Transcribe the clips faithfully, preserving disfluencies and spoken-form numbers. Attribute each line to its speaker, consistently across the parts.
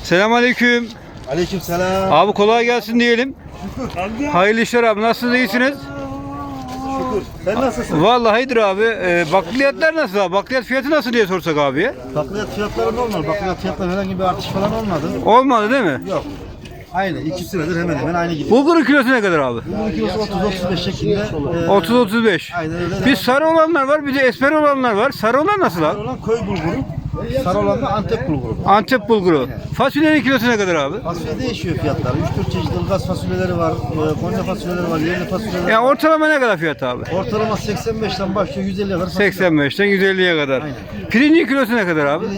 Speaker 1: Selamünaleyküm.
Speaker 2: Aleykümselam.
Speaker 1: Abi kolay gelsin diyelim.
Speaker 2: Şükür.
Speaker 1: Hayırlı işler abi. Nasılsınız? İyisiniz?
Speaker 2: Şükür. Sen nasılsın?
Speaker 1: Vallahi iyidir abi. Ee, bakliyatlar nasıl abi? Bakliyat fiyatı nasıl diye sorsak abiye.
Speaker 2: Bakliyat fiyatları normal. Bakliyat fiyatları herhangi bir artış falan olmadı.
Speaker 1: Olmadı değil mi?
Speaker 2: Yok. Aynı. İki süredir hemen hemen aynı gidiyor.
Speaker 1: Bulgurun kilosu ne kadar abi?
Speaker 2: Bunun kilosu otuz otuz beş şeklinde. e,
Speaker 1: otuz otuz beş.
Speaker 2: Aynen öyle.
Speaker 1: Bir sarı olanlar var, bir de esmer olanlar var. Sarı olan nasıl
Speaker 2: Sarı
Speaker 1: abi?
Speaker 2: olan köy bulguru. Sarı olan da Antep bulguru.
Speaker 1: Antep bulguru. Fasulyenin kilosu ne kadar abi?
Speaker 2: Fasulye değişiyor fiyatlar. üç dört çeşit ılgaz fasulyeleri var. e, Konya fasulyeleri var. Yerli fasulyeleri var.
Speaker 1: Yani ortalama ne kadar fiyat abi?
Speaker 2: Ortalama seksen beşten başlıyor yüz elliye kadar fasulye.
Speaker 1: seksen beşten yüz elliye kadar.
Speaker 2: Aynen.
Speaker 1: Pirincin kilosu ne kadar abi?
Speaker 2: Pirinç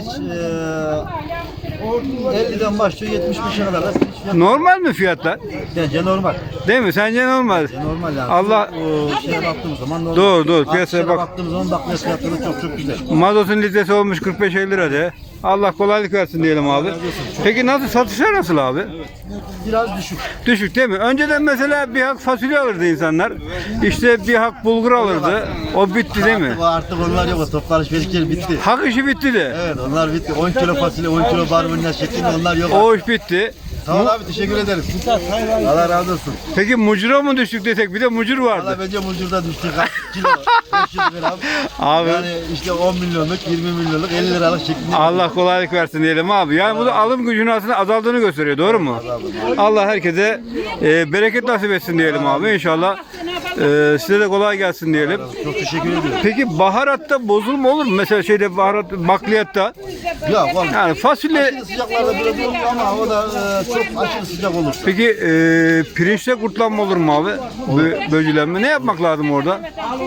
Speaker 2: e, elliden başlıyor yetmiş beşe kadar da pirinç fiyatı.
Speaker 1: Normal mi fiyatlar?
Speaker 2: Bence normal.
Speaker 1: Değil mi? Sence normal?
Speaker 2: Normal yani.
Speaker 1: Allah-
Speaker 2: O şeye baktığımız zaman normal.
Speaker 1: Doğru, doğru. Piyasaya
Speaker 2: Piyasaya
Speaker 1: bak-
Speaker 2: baktığımız zaman bakliyat fiyatları çok çok güzel.
Speaker 1: Mazotun litresi olmuş kırk beş elli lira de. Allah kolaylık versin diyelim abi. Peki nasıl satışlar nasıl abi?
Speaker 2: Biraz düşük.
Speaker 1: Düşük değil mi? Önceden mesela bir hak fasulye alırdı insanlar. İşte bir hak bulgur alırdı. O bitti değil mi?
Speaker 2: Artık, artık onlar yok. O toplu alışverişleri bitti.
Speaker 1: Hak işi bitti de.
Speaker 2: Evet onlar bitti. on kilo fasulye, on kilo barbunya şeklinde onlar yok.
Speaker 1: O iş bitti.
Speaker 2: Sağ ol abi teşekkür ederim. Allah razı olsun.
Speaker 1: Peki mucura mı düştük desek? Bir de mucur vardı.
Speaker 2: Valla bence mucurda düştü. Kaç kilo? beş yüz gram.
Speaker 1: Abi.
Speaker 2: Yani işte on milyonluk, yirmi milyonluk, elli liralık şeklinde.
Speaker 1: Allah kolaylık versin diyelim abi. Yani bu da alım gücünün aslında azaldığını gösteriyor. Doğru mu? Allah herkese e, bereket nasip etsin diyelim abi. İnşallah e, size de kolay gelsin diyelim.
Speaker 2: Çok teşekkür ediyorum.
Speaker 1: Peki baharatta bozulma olur mu? Mesela şeyde baharat bakliyatta.
Speaker 2: Yok olmaz.
Speaker 1: Yani fasulye.
Speaker 2: Aşırı sıcaklarda biraz olur ama o da e, çok aşırı sıcak olur.
Speaker 1: Peki e, pirinçte kurtlanma olur mu abi? Bö böcülenme. Ne yapmak lazım orada?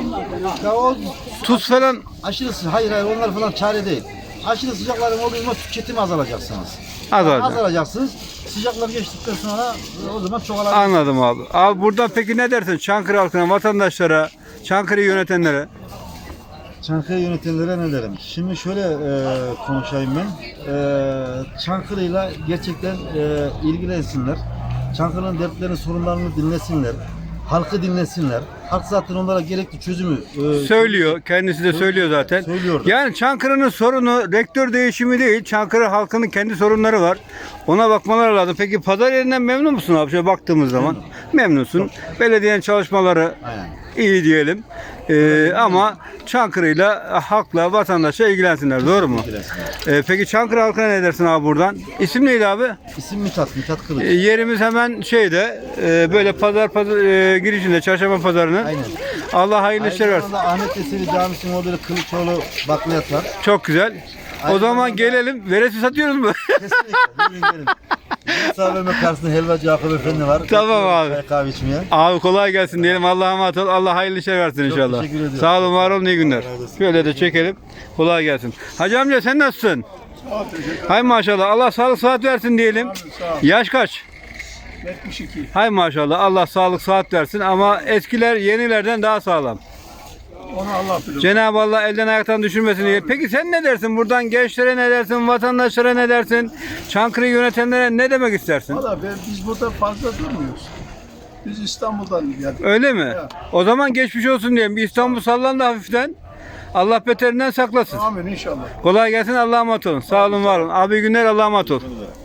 Speaker 2: Ya o
Speaker 1: Tuz falan.
Speaker 2: aşırı sı- hayır hayır onlar falan çare değil. Aşırı sıcakların olduğu zaman tüketimi azalacaksınız.
Speaker 1: Azalacak.
Speaker 2: Azalacaksınız. Sıcaklar geçtikten sonra o zaman çoğalacak.
Speaker 1: Anladım abi. Abi buradan peki ne dersin Çankırı halkına, vatandaşlara, Çankırı'yı yönetenlere?
Speaker 2: Çankırı yönetenlere ne derim? Şimdi şöyle e, konuşayım ben. E, Çankırı'yla gerçekten e, ilgilensinler. Çankırı'nın dertlerini, sorunlarını dinlesinler. Halkı dinlesinler. Halk zaten onlara gerekli çözümü e,
Speaker 1: Söylüyor. Kendisi de söylüyor zaten.
Speaker 2: Söylüyordu.
Speaker 1: Yani Çankırı'nın sorunu rektör değişimi değil. Çankırı halkının kendi sorunları var. Ona bakmaları lazım. Peki pazar yerinden memnun musun abi? Şöyle baktığımız zaman. Memnunsun. Belediyenin çalışmaları
Speaker 2: Aynen.
Speaker 1: iyi diyelim. Ee, ama Çankırı'yla halkla, vatandaşa ilgilensinler. Doğru mu?
Speaker 2: ilgilensinler.
Speaker 1: Ee, peki Çankırı halkına ne dersin abi buradan? İsim neydi abi?
Speaker 2: İsim Mithat, Mithat Kılıç.
Speaker 1: Ee, yerimiz hemen şeyde e, böyle pazar pazar e, girişinde çarşamba pazarının.
Speaker 2: Aynen.
Speaker 1: Allah hayırlı işler
Speaker 2: Aynı
Speaker 1: versin.
Speaker 2: zamanda Ahmet Yesevi Camisi'nin orada Kılıçoğlu bakliyat var.
Speaker 1: Çok güzel. O
Speaker 2: Aynı
Speaker 1: zaman
Speaker 2: zamanda-
Speaker 1: gelelim. Veresi satıyoruz mu?
Speaker 2: Kesinlikle. Gelin gelin. Musa Mehmet karşısında helvacı Yakup Efendi var.
Speaker 1: Tamam abi.
Speaker 2: Çay kahve içmeye.
Speaker 1: Abi kolay gelsin diyelim. Allah'a emanet ol. Allah hayırlı işler versin inşallah.
Speaker 2: teşekkür ediyorum.
Speaker 1: Sağ olun, var olun, iyi günler.
Speaker 2: Allah razı olsun.
Speaker 1: Şöyle de çekelim. Kolay gelsin. Hacı amca sen nasılsın? Hay maşallah. Allah sağlık sıhhat versin diyelim. Yaş kaç?
Speaker 3: yetmiş iki.
Speaker 1: Hay maşallah. Allah sağlık sıhhat versin ama eskiler yenilerden daha sağlam.
Speaker 3: Onu Allah bilir.
Speaker 1: Cenab-ı Allah elden ayaktan düşürmesin diye. Peki sen ne dersin? Buradan gençlere ne dersin? Vatandaşlara ne dersin? Çankırı'yı yönetenlere ne demek istersin?
Speaker 3: Valla ben, biz burada fazla durmuyoruz. Biz İstanbul'dan geldik.
Speaker 1: Öyle mi? O zaman geçmiş olsun diyelim. Bir İstanbul sallandı hafiften. Allah beterinden saklasın.
Speaker 3: Amin inşallah.
Speaker 1: Kolay gelsin. Allah'a emanet olun. Sağ olun, var olun. Abi iyi günler. Allah'a emanet olun.